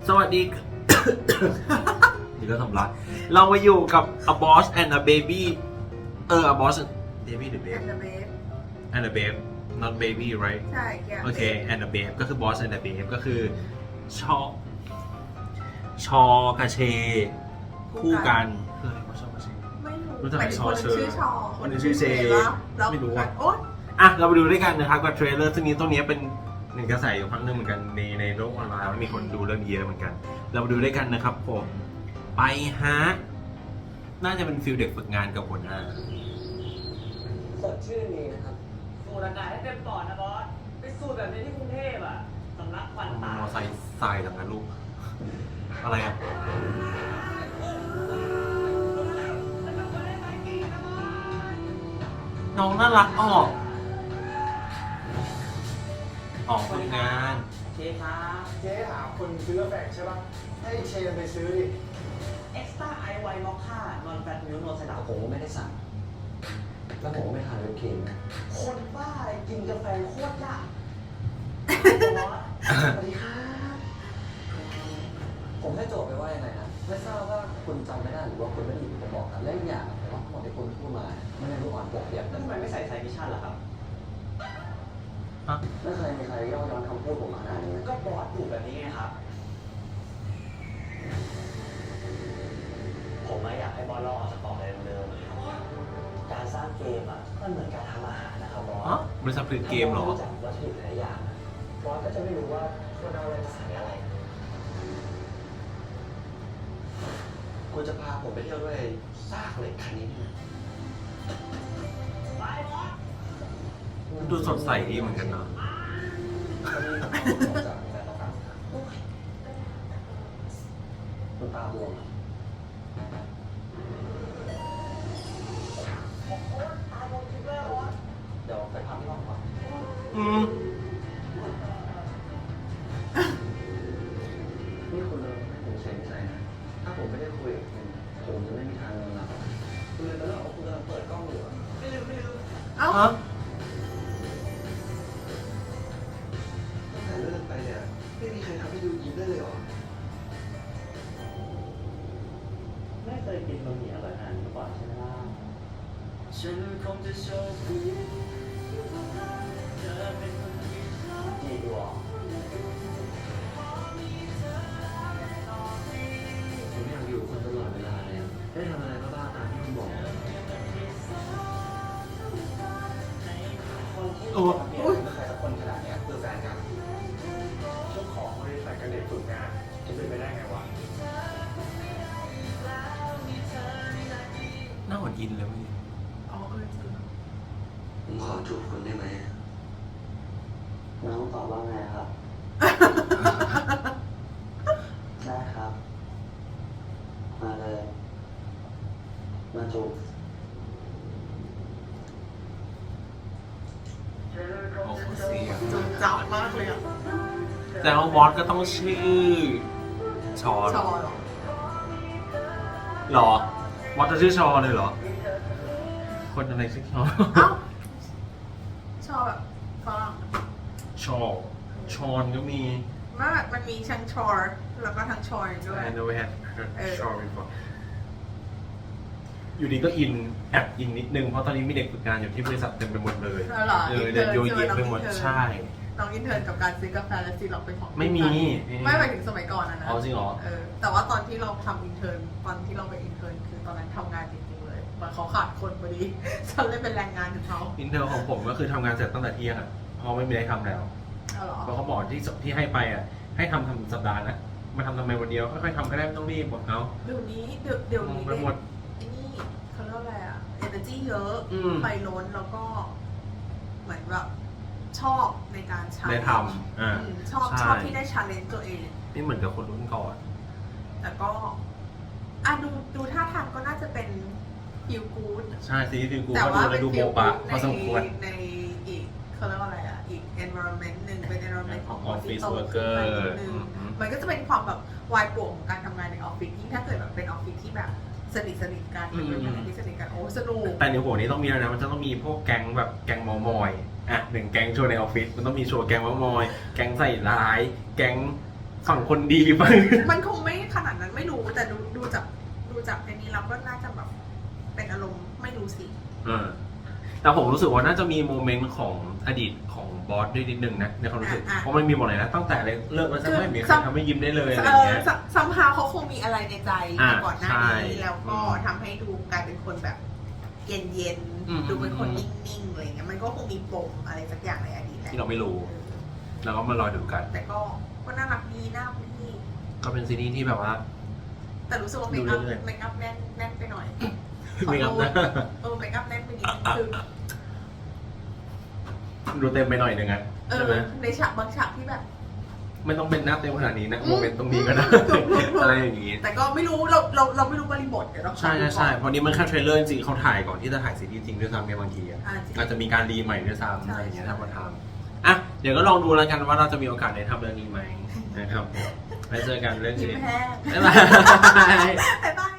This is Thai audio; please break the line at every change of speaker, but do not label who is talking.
สวัสดี นี่ก็สำลักเรามาอยู่กับ A Boss and a Baby A Boss Baby หรือ Babe and a Babe not baby right
ใช่
โอเค and a Babe ก็คือ Boss and a Babe ก็คือชอกระเชคู่กันคืออะไรวะชอกระเช
ไม่รู้
รู้จัก
หมายถึง
ซอ
คนห
เช
นึ
อง ร์
ชื่อชอ
คนหนึ่งชื่อเช
แล้ว
ไม่รู้อะ
โอ๊ย
อ่ะเราไปดูด้วยกันนะครับกับเทรลเลอร์ซึ่งนี้ตรงนี้เป็นหนึ่งกระแสอยู่ครั้งหนึงเหมือนกันในโลกออนไลน์มีคนดูเรื่องเยอะเหมือนกัน เรามาดูด้วยกันนะครับผมไปฮะน่าจะเป็นฟิลเด็กฝึกงานกับหัวหน้า
สดชื่นดีนะครับ
สูดอากาศให้เต็มปอดนะบอส ไปสูดแบบนี้ที่กรุงเทพอ่ะสำลักควัน
ม
ตา
อไซค์ทรายจากนั้นลูกอะไรอ่ะน้องน่ารักออกฝึกงาน
เชฟครับ
เจ๊หาคนซื้อกาแฟใช่ปะให้เชนไปซื้อดิ
Extra I White Mocha Non Fat Milk No
แต่
Syrup
ผมก็ไม่ได้สั่ง แล้วผมก็ไม่ทานวิปครีมนะ
คนบ้าอะไรกินกาแฟโคตรยากบอส
สวัสดีครับ ผมให้โจทย์ไปว่ายังไงนะ ไม่ทราบว่าคุณจำไม่ได้หรือว่าคุณไม่ได้ยินผมบอกกันและอีกอย่างแต่ว่าทั้งหมดที่คุณพูดมาไม่ได้รู้อ่อนปกเปียก
แล้วทำไมไม่ใส่ไซมิชชั่นล่ะครับ
ไม่เคยมีใครย่อย้อนคำพูดผมขนาดนี้นะ
ก็บอสอยู่แบบนี้ไงครับ ผมไม่อยากให้บอสลอกออกจากกรอบอะไรเดิมๆการสร้างเกมอ่ะมันเหมือนการทำอาหารนะครับบอส
อ๋อ บริษัทผลิตเกมเหรอ
ถ้ารู้จักวัตถุดิบหลายอย่างอะบอสก็จะไม่รู้ว่าควรเอาอะไรมาใส่อะไร คุณจะพาผมไปเที่ยวด้วยซากเหล็กคันนี้ไหม
ไปบอส
ดูสดใสดีเหมือนกันเนาะ
ก็มีของจากในต้องการครับคุณตาบวมอะเดี๋ยวไปพักที่ห้องก่อน
อืม
นี่คุณเลยให้ผมเซ็นใจนะ ถ้าผมไม่ได้คุยกับคุณผมจะไม่มีทางนอนหลับคุณเลยไปเล่าว่าคุณกำลังเปิดกล้องอยู่อะ
ไม่ลืม
เอ้า
ฮะ
ตั้งแต่เลิกไปเนี่ยไม่มีใครทำให้ดูยิ้มได้เลยเหรอ
ไม่เคยกินบะหมี่อร่อยขนาดนี้มาก่อนใช่ไหมล่ะฉันคงจะโชคดีเธอเป็นคนที่ชอบดีดูออก
ผมอยากอยู่กับคุณตลอดเวลาเลยอะได้ทำอะไรบ้างๆตามที่คุณบอก
คนที่
โอ้
จะเปลี่ยนเป็นใครสักคนขนาดเนี้ยคือแฟนกัน
เจ้าของบริษัทกับเด็กฝึกงานจะเป็นไปได้ไงวะ
หน้าเหมือนอินเลยเมื่อกี้
อ๋อจริง
ผมขอจูบคุณได้ไหมน้องตอบว่าไงครับ ได้ครับ มาเลย มาจูบ
โอ้โหเสียง
จงจับมากเลยอ่ะ
แต่ว่าบอสก็ต้องชื่อชอ
ชอเหรอ
หรอบอสจะชื่อชอเลยเหรอ คนอะไรชื่อชอ
เอ้าชอแบบฝรั่ง
ชอชอนก็มี
ไม่แบบมันมีทั้งชอร์แล้วก็ทั้งชอยด้วย
I know we had
เออ
ชอ before อยู่ดีก็อินแอบอินนิดนึง เพราะตอนนี้มีเด็กฝึกงานอยู่ที่บริษัทเต็มไปหมดเลย
แล้วเหรอ
เดินโยเยะไปหมดใช่
น้องอินเทอร์กับการซื้อกาแฟและซีล็อกเป็นของ
ไม่มี
ไม่หมายถึงสมัยก่อนนะ
อ๋อจริงเหรอ
แต่ว่าตอนที่เราทำอินเทอร์ตอนที่เราไปอินเทอร์คือตอนนั้นทำงานจริงๆเลยมันเขาขาดคนพอดี ฉันเลยเป็นแรงงานถึงเขา
อินเทอร์ของผมก็คือทำงานเสร็จตั้งแต่เที่ยงอ่ะเพราะไม่มีอะไรทำแล้ว
เอาเหรอ
เพราะเขาบอกที่ให้ไปอ่ะ ให้ทำสัปดาห์นะมาทำไมวันเดียวค่อยๆทำก็ได้ไม่ต้องรีบบอกเขา
เดี๋ยวนี้เดี๋ยวนี้
ไปหมด
ไอ้นี่เขาเรียกว่าอะไรอะเอเนอร์จีเยอะ
อืม
ไฟล้นแล้วก็เหมือนแบบชอบในการใช้
ได้ทำ
ชอบ
ใช่
ชอบที่ได้ชาเลนจ์ตัวเอง
นี่เหมือนกับคนรุ่นก่อน
แต่ก็ดูท่าทางก็น่าจะเป็นฟิลกู๊ด
ใช่ซีรีส์ฟิลกู
แต่
ก็ดู
ว่า
แล้
เป็
วน ดู
ฟิ
โบ
ล
ปะ
กู๊ด
พอสมควร
ในอีกเขาเรียกว่าอะไรอะอีก environment หนึ่งเป็น environment ของ
Office
ที่โต
worker
ขึ้นมานิดนึง มันก็จะเป็นความแบบวายป่วงของการทำงานในออฟฟิศยิ่งถ้าเกิดแบบเป็นออฟฟิศที่แบบสนิทกัน
อืม
เป็นพนักงานที่สนิทกันโอ้สนุก
แต่ในหัวนี้ต้องมีแล้วนะ มันจะต้องมีพวกแก๊งแบบแก๊งเมามอยอ่ะหนึ่งแก๊งโชว์ในออฟฟิศ มันต้องมีโชว์แก๊งเมามอย แก๊งใส่ร้าย แก๊งฝั่งคนดีบ้าง
มันคงไม่ขนาดนั้นไม่รู้แต่ดูจากในนี้เราก็น่าจะแบบเป็นอารมณ์ไม่รู้สิ
แต่ผมรู้สึกว่าน่าจะมีโมเมนต์ของอดีตของบอสด้วยนิดนึงนะในความรู้สึกเพราะมันมีหมดเลยนะตั้งแต่เลิกแล้วจะไม่มีใครทำให้ยิ้มได้เลยอะไรเงี้ย
ซัมฮาวเขาคงมีอะไรในใจมาก่อนหน้า
ใช่
นี้แล้วก็ทำให้ดูกลายเป็นคนแบบเย็น
อืม
ๆดูเป็นคนนิ่งๆอะไรเงี้ยมันก็คงมีปมอะไรสักอย่างในอดีตแหละ
ที่เราไม่รู้แล้วก็มารอดูกัน
แต่ก็น่ารักดีน่ารักดี
ก็เป็นซีรีส์ที่แบบว่า
แต่รู้สึกว่าเม
ดู
คอัพ
เรื่อยๆ
เมคอัพแน่นไปหน่อย
มีครับนะ
เมคอัพแน่นไปนิดนึงคือ
ดูเต็มไปหน่อยนึงอะใช่ไหม
ในฉากบางฉากที่แบบ
ไม่ต้องเป็นหน้าเต็มขนาดนี้นะโมเมนต์ตรงนี้ก็ได้ อะไรอย่างนี้
แต่ก็ไม่รู้เราไม่รู้บริบทเดี๋ยวเราขอ
ใช่
ดู
ใช่
ก่อน
เพราะนี้มันแค่เทรลเลอร์จริงๆเขาถ่ายก่อนที่จะถ่ายซีรีส์จริงด้วยซ้ำเนี่ยบางทีอะ
จริง
อาจจะมีการรีใหม่ด้วยซ้ำ
ใช่
อะไรอย่างเงี้ย
ใช่
ถ้ามาทำอ่ะเดี๋ยวก็ลองดูแล้วกันว่าเราจะมีโอกาสได้ทำเรื่องนี้ไหมนะครับไว้เจอกันเรื่อง
ยิ้
นี้
มแห้ง
บ๊ายบาย
บ๊ายบาย